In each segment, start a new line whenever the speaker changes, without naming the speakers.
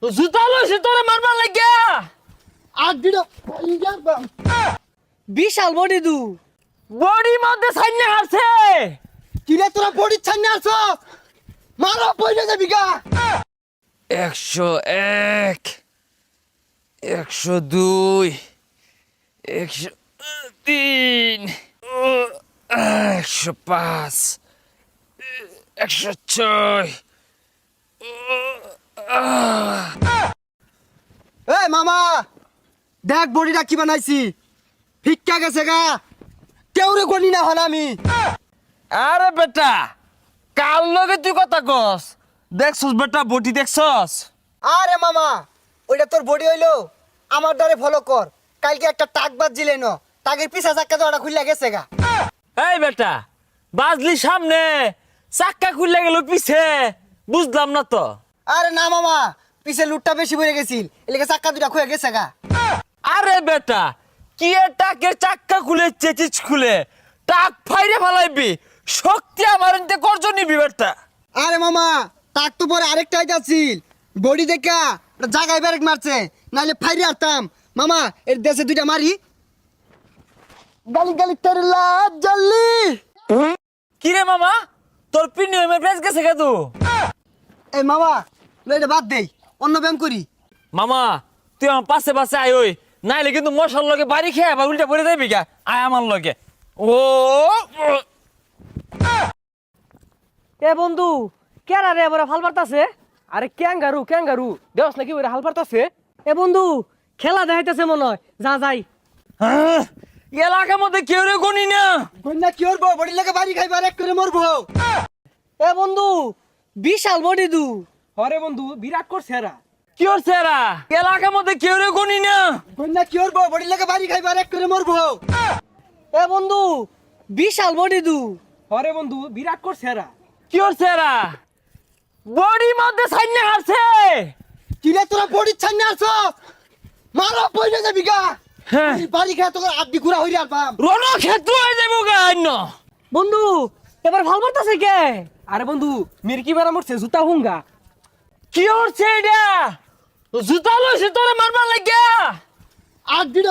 জুতা লইছে তোরে মারবার লাগিয়া।
আর দিল
বিশাল বডি দু
বডি মধ্যে সাইনে হারছে।
কিরে তোরা বডি ছাড়নে আসো মারো পয়সা যাবি গা
101 102 103 105 106
এই মামা দেখ বডিটা কি বানাইছি ভিক্ষা গেছে গা কেউরে গনি না হল আমি
আরে বেটা কাল লগে তুই কথা কস দেখছস বেটা বডি দেখছস।
আরে মামা ওইটা তোর বডি হইলো আমার দ্বারে ফলো কর কালকে একটা টাক বাজছিলে ন টাকের পিছা চাক্কা তো ওটা খুললা গেছে গা
এই বেটা বাজলি সামনে চাক্কা খুললে গেল পিছে বুঝলাম না তো।
আরে না মামা পিছে লুটটা বেশি পড়ে গেছিল এলাকা চাক্কা দুটা খুলে গেছে গা
আরে বেটা কি টাকের চাক্কা খুলে চেচিচ খুলে টাক ফাইরে ফেলাইবি শক্তি আমার এনতে করজ নিবি বেটা।
আরে মামা টাক তো পরে আরেকটা আইতাছিল বডি দেখা একটা জায়গায় ব্যারেক মারছে নাইলে ফাইরে আরতাম মামা এর দেশে দুইটা মারি গালি গালি তেরে লাজ জ্বললি
কি রে মামা তোর প্রিমিয়ামের প্রাইস গেছে কেদু।
এই মামা এটা বাদ দেই অন্য ব্যায়াম করি
মামা তুই আমার পাশে পাশে আয় ওই নাইলে কিন্তু মশার লগে বাড়ি খেয়ে আবার উল্টা পড়ে যাবি গা আয় আমার লগে। ও
এ বন্ধু কেরা রে এবারে হাল পারতাছে। আরে ক্যাঙ্গারু দেওস নাকি ওরে হাল পারতাছে। এ বন্ধু খেলা দেখাইতেছে মনে হয় যা যাই।
হ্যাঁ, এলাকার মধ্যে কেউ রে গনি না।
কন্যা কি করবো বডি লাগে বাড়ি খাইবার এক করে মরবো
এ বন্ধু বিশাল বডি দু
হরে বন্ধু বিরাট করছে এরা।
কি হচ্ছে এরা এলাকার মধ্যে কেউ রে গনি না।
কন্যা কি করবো বডি লাগে বাড়ি খাইবার এক করে মরবো
এ বন্ধু বিশাল বডি দু
হরে বন্ধু বিরাট করছে এরা।
কি হচ্ছে এরা বডি মধ্যে সাইনে হারছে।
কিরে তোরা বডি ছাড়নে আসো মারো পয়সা যাবি গা
হ্যাঁ
বাড়ি খাই তোর আড্ডি ঘুরা হইরে আলবাম
রণ ক্ষেত্র হয়ে যাবো গা অন্য।
বন্ধু এবার ভাল পারতাছে কে।
আরে বন্ধু মির্কি বেড়া মরছে জুতা হুঙ্গা।
কি হচ্ছে এটা জুতা লইছে তোরে মারবার লাগিয়া।
আর দিল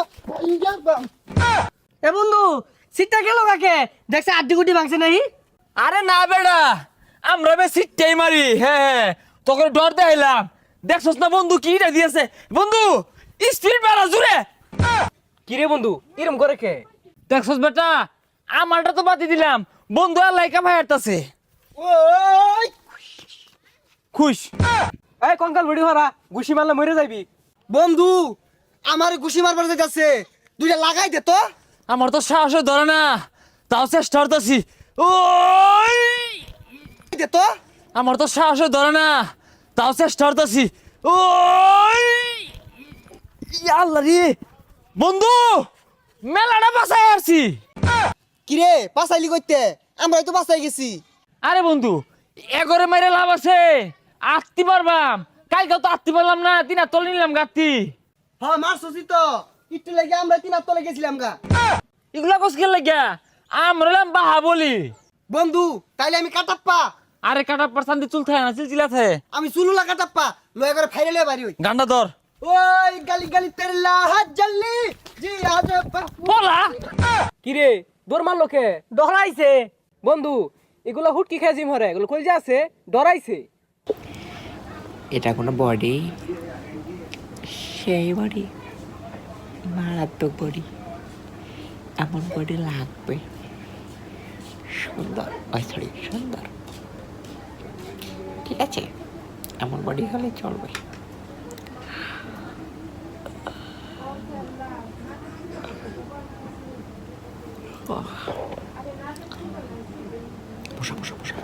এ বন্ধু সিটটা গেল কাকে দেখছে আড্ডি গুটি ভাঙছে নাই।
আরে না বেড়া আমরা বে সিটটাই মারি। হ্যাঁ তোকে ডর দেখাইলাম দেখছস না বন্ধু কিটা দিয়েছে বন্ধু স্পিড বাড়া জুড়ে।
কিরে বন্ধু এরম করে কে?
দেখছস বেটা আমারটা তো বাতি দিলাম বন্ধু আর লাইকা ভাই হাঁটতাছে
ওই
খুশ।
এই কঙ্কাল ভিডিও হরা ঘুষি মারলে মরে যাইবি।
বন্ধু আমার ঘুষি মারবার যাইতাছে দুইটা লাগাই দে তো
আমার তো সাহস ধরে না তাও চেষ্টা করতেছি। ওই
দে তো
আমার তো সাহস ধরে না তাও চেষ্টা করতেছি। ওই আল্লাহ রে বন্ধু মেলাটা বাসায় আসছি।
কিরে পাসাইলি কইতে আমরাই তো বাসাই গেছি
আরে বন্ধু এগরে মেরে লাভ আছে আটতে পারবাম কালকে তো আটতে পারলাম না তিনা তলে নিলাম গাতি।
হ্যাঁ মারছসি তো একটু লাগে আমরা তিন তলে গেছিলাম গা
এগুলা কস খেলে গিয়া আমরা হলাম বাহা বলি।
বন্ধু তাইলে আমি কাটাপ্পা
আরে কাটা পারসান্তি চুল থাকে না চিলচিলা থাকে
আমি সুলুলা কাটাপ্পা লয়ে করে ফাইলে লয়ে বাড়ি হই
গান্ডা ধর
ওই গালি গালি তেরে লাহাজ জ্বললি জি আজ
বলা
কিরে দৌড় মারলো কে?
ডরাইছে
বন্ধু এগুলো হুটকি খেয়ে জিম হরে এগুলো কই যে আছে ডরাইছে।
এটা কোনো বডি সেই বডি মারাত্মক বডি এমন বডি লাগবে সুন্দর সরি সুন্দর ঠিক আছে এমন বডি হলে চলবে। বসা বসা বসা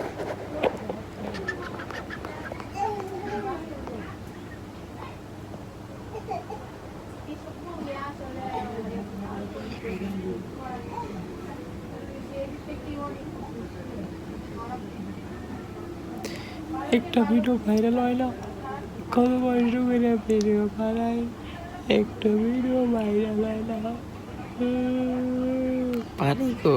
একটা ভিডিও ভাইরাল হয় না কত বয়স করে ভিডিও বানাই একটা ভিডিও ভাইরাল হয় না পানি গো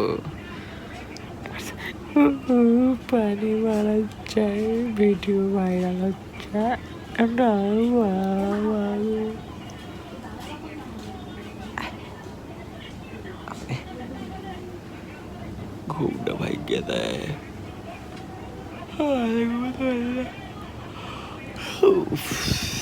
পানি মারা যায় ভিডিও ভাইরাল হচ্ছে একটা বাবা ঘুমটা ভাগ্যে দেয় আর ঘুমোতে পারি না। উফ।